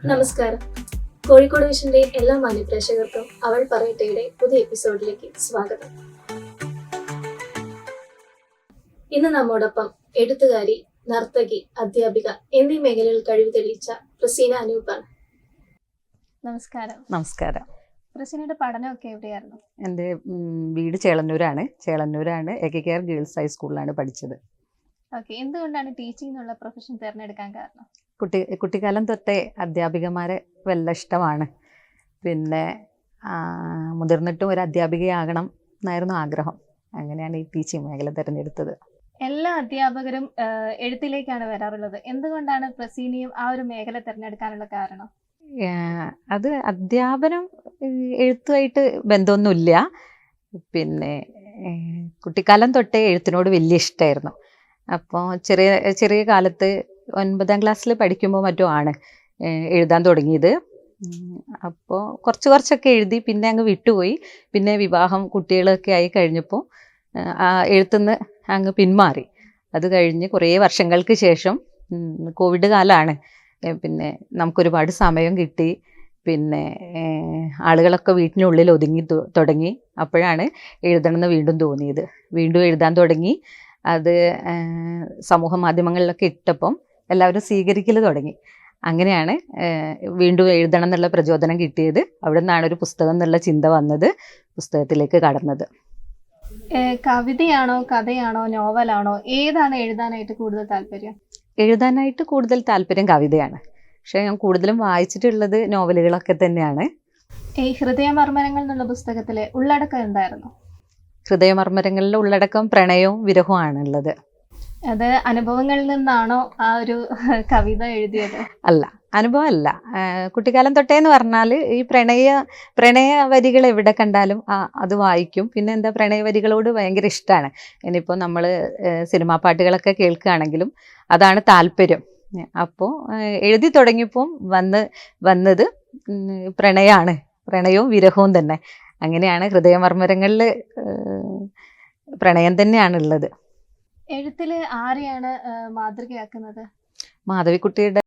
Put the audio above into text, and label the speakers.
Speaker 1: നമസ്കാരം. കോഴിക്കോട് വിഷന്റെ എല്ലാ മാന്യപ്രേക്ഷകർക്കും അവൾ പറയട്ടെയുടെ പുതിയ എപ്പിസോഡിലേക്ക് സ്വാഗതം. ഇന്ന് നമ്മോടൊപ്പം എഴുത്തുകാരി, നർത്തകി, അധ്യാപിക എന്നീ മേഖലകളിൽ കഴിവ് തെളിയിച്ച പ്രസീന അനൂപാണ്. നമസ്കാരം.
Speaker 2: നമസ്കാരം.
Speaker 1: പ്രസീനയുടെ പഠനമൊക്കെ എവിടെയായിരുന്നു?
Speaker 2: എൻ്റെ വീട് ചേളന്നൂരാണ്. എകെകെആർ ഗേൾസ് ഹൈസ്കൂളിലാണ് പഠിച്ചത്.
Speaker 1: ഓക്കെ, എന്തുകൊണ്ടാണ് ടീച്ചിങ് എന്നുള്ള പ്രൊഫഷൻ തിരഞ്ഞെടുക്കാൻ കാരണം?
Speaker 2: കുട്ടിക്കാലം തൊട്ടേ അധ്യാപികമാരെ വല്ല ഇഷ്ടമാണ്. പിന്നെ മുതിർന്നിട്ടും ഒരു അധ്യാപികയാകണം എന്നായിരുന്നു ആഗ്രഹം. അങ്ങനെയാണ് ഈ ടീച്ചിങ് മേഖല തിരഞ്ഞെടുത്തത്.
Speaker 1: എല്ലാ അധ്യാപകരും എഴുത്തിലേക്കാണ് വരാറുള്ളത്. എന്തുകൊണ്ടാണ് പ്രസീനയും ആ ഒരു മേഖല തിരഞ്ഞെടുക്കാനുള്ള കാരണം?
Speaker 2: അത് അധ്യാപനം എഴുത്തുമായിട്ട് ബന്ധമൊന്നുമില്ല. പിന്നെ കുട്ടിക്കാലം തൊട്ടേ എഴുത്തിനോട് വലിയ ഇഷ്ടമായിരുന്നു. അപ്പോൾ ചെറിയ കാലത്ത് 9ാം ക്ലാസ്സിൽ പഠിക്കുമ്പോൾ മറ്റോ ആണ് എഴുതാൻ തുടങ്ങിയത്. അപ്പോൾ കുറച്ചൊക്കെ എഴുതി, പിന്നെ അങ്ങ് വിട്ടുപോയി. പിന്നെ വിവാഹം, കുട്ടികളൊക്കെ ആയി കഴിഞ്ഞപ്പോൾ ആ എഴുത്തുനിന്ന് അങ്ങ് പിന്മാറി. അത് കഴിഞ്ഞ് കുറേ വർഷങ്ങൾക്ക് ശേഷം കോവിഡ് കാലമാണ്. പിന്നെ നമുക്കൊരുപാട് സമയം കിട്ടി. പിന്നെ ആളുകളൊക്കെ വീട്ടിനുള്ളിൽ ഒതുങ്ങി തുടങ്ങി. അപ്പോഴാണ് എഴുതണമെന്ന് വീണ്ടും തോന്നിയത്. വീണ്ടും എഴുതാൻ തുടങ്ങി. അത് സമൂഹ മാധ്യമങ്ങളിലൊക്കെ ഇട്ടപ്പം എല്ലാവരും സ്വീകരിക്കൽ തുടങ്ങി. അങ്ങനെയാണ് വീണ്ടും എഴുതണം എന്നുള്ള പ്രചോദനം കിട്ടിയത്. അവിടെ നിന്നാണ് ഒരു പുസ്തകം എന്നുള്ള ചിന്ത വന്നത്, പുസ്തകത്തിലേക്ക് കടന്നത്.
Speaker 1: കവിതയാണോ, കഥയാണോ, നോവലാണോ, ഏതാണ് എഴുതാനായിട്ട് കൂടുതൽ താല്പര്യം?
Speaker 2: എഴുതാനായിട്ട് കൂടുതൽ താല്പര്യം കവിതയാണ്. പക്ഷേ ഞാൻ കൂടുതലും വായിച്ചിട്ടുള്ളത് നോവലുകളൊക്കെ തന്നെയാണ്.
Speaker 1: ഈ ഹൃദയമർമ്മരങ്ങൾ എന്നുള്ള പുസ്തകത്തിലെ ഉള്ളടക്കം എന്തായിരുന്നു?
Speaker 2: ഹൃദയമർമ്മരങ്ങളിലെ ഉള്ളടക്കം പ്രണയവും വിരഹവും ആണുള്ളത്.
Speaker 1: അത് അനുഭവങ്ങളിൽ നിന്നാണോ ആ ഒരു കവിത എഴുതിയത്?
Speaker 2: അല്ല, അനുഭവമല്ല. കുട്ടിക്കാലം തൊട്ടേന്ന് പറഞ്ഞാൽ ഈ പ്രണയ വരികൾ എവിടെ കണ്ടാലും അത് വായിക്കും. പിന്നെ എന്താ, പ്രണയ വരികളോട് ഭയങ്കര ഇഷ്ടമാണ്. ഇനിയിപ്പോൾ നമ്മൾ സിനിമാ പാട്ടുകളൊക്കെ കേൾക്കുകയാണെങ്കിലും അതാണ് താല്പര്യം. അപ്പോൾ എഴുതി തുടങ്ങിയപ്പോൾ വന്നത് പ്രണയമാണ്, പ്രണയവും വിരഹവും തന്നെ. അങ്ങനെയാണ് ഹൃദയമർമ്മരങ്ങളിൽ പ്രണയം തന്നെയാണുള്ളത്.
Speaker 1: എഴുത്തിൽ ആരെയാണ് മാതൃകയാക്കുന്നത്?
Speaker 2: മാധവിക്കുട്ടിയുടെ